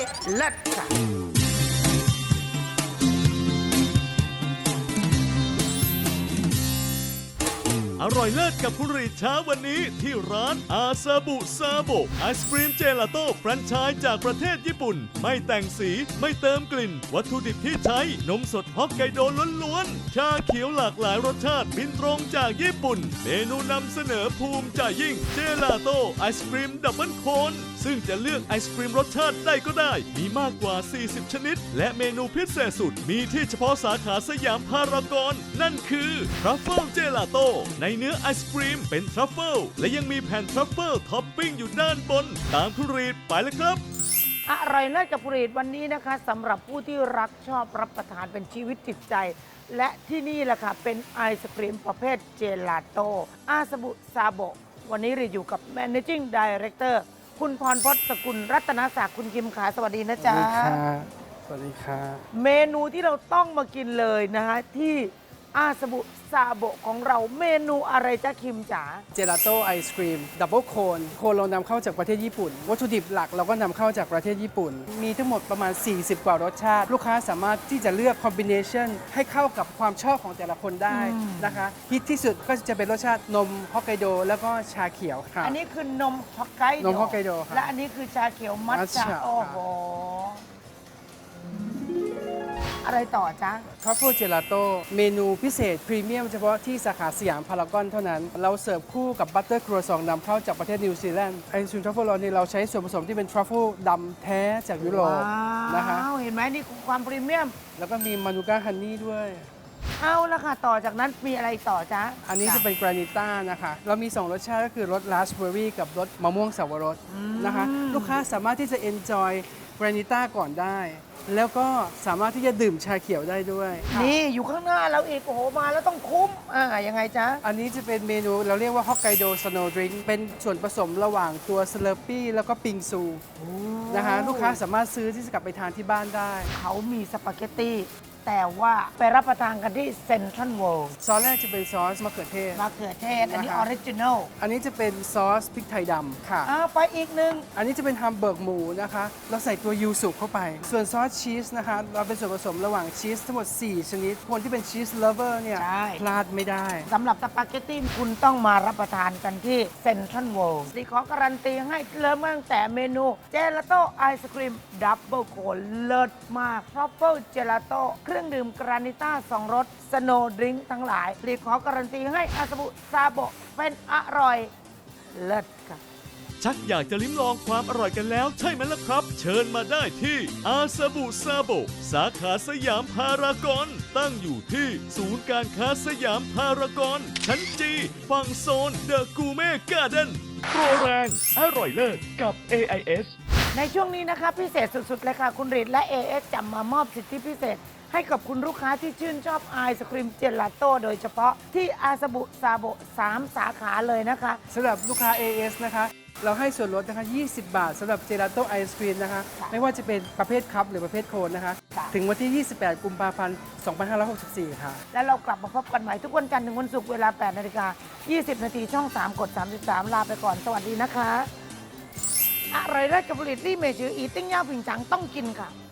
เลิศค่ะอร่อยเลิศกับคุณรีดเช้าวันนี้ที่ร้านอาซาบุซาโบไอศครีมเจลาโต้แฟรนไชส์จากประเทศญี่ปุ่นไม่แต่งสีไม่เติมกลิ่นวัตถุดิบที่ใช้นมสดฮอกไกโดล้วนๆชาเขียวหลากหลายรสชาติบินตรงจากญี่ปุ่นเมนูนำเสนอภูมิใจยิ่งเจลาโต้ไอศครีมดับเบิลโคนซึ่งจะเลือกไอศครีมรสชาติใดก็ได้มีมากกว่า40ชนิดและเมนูพิเศษสุดมีที่เฉพาะสาขาสยามพารากอนนั่นคือทรัฟเฟิลเจลาโต้ในเนื้อไอศครีมเป็นทรัฟเฟิลและยังมีแผ่นทรัฟเฟิลท็อปปิ้งอยู่ด้านบนตามคุณรีดไปเลยครับอร่อยเลิศกับผลิตวันนี้นะคะสำหรับผู้ที่รักชอบรับประทานเป็นชีวิตจิตใจ และที่นี่แหละค่ะเป็นไอศครีมประเภทเจลาโต้อาซาบุซาโบวันนี้รีอยู่กับ Managing Director คุณพรพจน์สกุลรัตนศักดิ์คุณคิมขาสวัสดีนะจ๊ะสวัสดีค่ะเมนูที่เราต้องมากินเลยนะคะที่อาซาบุซาโบของเราเมนูอะไรจ๊ะคิมจ๋าเจลาโต้ไอศครีมดับเบิลโคนเรานำเข้าจากประเทศญี่ปุ่นวัตถุดิบหลักเราก็นำเข้าจากประเทศญี่ปุ่นมีทั้งหมดประมาณ40กว่ารสชาติลูกค้าสามารถที่จะเลือกคอมบิเนชันให้เข้ากับความชอบของแต่ละคนได้นะคะฮิตที่สุดก็จะเป็นรสชาตินมฮอกไกโดแล้วก็ชาเขียวค่ะอันนี้คือนมฮอกไกโดนมฮอกไกโดค่ะและอันนี้คือชาเขียวมัทฉะโอ้โหอะไรต่อจ๊ะทรัฟเฟิลเจลาโต้เมนูพิเศษพรีเมียมเฉพาะที่สาขาสยามพารากอนเท่านั้นเราเสิร์ฟคู่กับบัตเตอร์ครัวซองนำเข้าจากประเทศนิวซีแลนด์ไอศครีมทรัฟเฟิลเราเนี่ยเราใช้ส่วนผสมที่เป็นทรัฟเฟิลดำแท้จากยุโรปนะคะเห็นไหมนี่คือความพรีเมียมแล้วก็มีมานูก้าฮันนี่ด้วยเอาละค่ะต่อจากนั้นมีอะไรต่อจ๊ะอันนี้จะเป็นกรานิต้านะคะเรามี2รสชาติก็คือรสราสเบอร์รี่กับรสมะม่วงสับปะรดนะคะลูกค้าสามารถที่จะ enjoy กรานิต้าก่อนได้แล้วก็สามารถที่จะดื่มชาเขียวได้ด้วยนี่อยู่ข้างหน้าเราอีกโอ้โหมาแล้วต้องคุ้มยังไงจ๊ะอันนี้จะเป็นเมนูเราเรียกว่าฮอกไกโดสโนว์ดริงก์เป็นส่วนผสมระหว่างตัวสเลอร์ปี้แล้วก็ปิงซูนะคะลูกค้าสามารถซื้อที่จะกลับไปทานที่บ้านได้เขามีสปาเกตตี้แต่ว่าไปรับประทานกันที่เซ็นทรัลเวิลด์ซอสแรกจะเป็นซอสมะเขือเทศอันนี้ออริจินัลอันนี้จะเป็นซอสพริกไทยดำค่ะไปอีกหนึ่งอันนี้จะเป็นฮัมเบิร์กหมูนะคะเราใส่ตัวยูสุเข้าไปส่วนซอสชีสนะคะเราเป็นส่วนผสมระหว่างชีสทั้งหมด4ชนิดคนที่เป็นชีสเลเวอร์เนี่ยพลาดไม่ได้สำหรับสปาเกตตี้คุณต้องมารับประทานกันที่เซ็นทรัลเวิลด์ขอการันตีให้เริ่มตั้งแต่เมนูเจลาโต้ไอศครีมดับเบิลโคนเลิศมากทรัฟเฟิลเจลาโต้เครื่องดื่มกรานิต้า2รสสโนว์ดริงก์ทั้งหลายรีขอการันตีให้อาซาบุซาโบเป็นอร่อยเลิศค่ะชักอยากจะลิ้มลองความอร่อยกันแล้วใช่ไหมล่ะครับเชิญมาได้ที่อาซาบุซาโบสาขาสยามพารากอนตั้งอยู่ที่ศูนย์การค้าสยามพารากอนชั้นจีฝั่งโซนเดอะกูเม่การ์เด้นโปรแรงอร่อยเลิศกับ AIS ในช่วงนี้นะคะพิเศษสุดๆเลยค่ะคุณรีดและ AIS จะมามอบสิทธิพิเศษให้กับคุณลูกค้าที่ชื่นชอบไอศครีมเจลาโต้โดยเฉพาะที่อาซาบุซาโบ3สาขาเลยนะคะสำหรับลูกค้า AS นะคะเราให้ส่วนลดนะคะ20 บาทสำหรับเจลาโต้ไอศครีมนะคะไม่ว่าจะเป็นประเภทคัพหรือประเภทโคนนะคะถึงวันที่28กุมภาพันธ์2564ค่ะและเรากลับมาพบกันใหม่ทุกวันจันทร์ถึงวันศุกร์เวลา8 นาฬิกา 20 นาทีช่อง3กด33ลาไปก่อนสวัสดีนะคะอร่อยเลิศกับผลิตรี่เมจืออีติ้งย่าผิงจังต้องกินค่ะ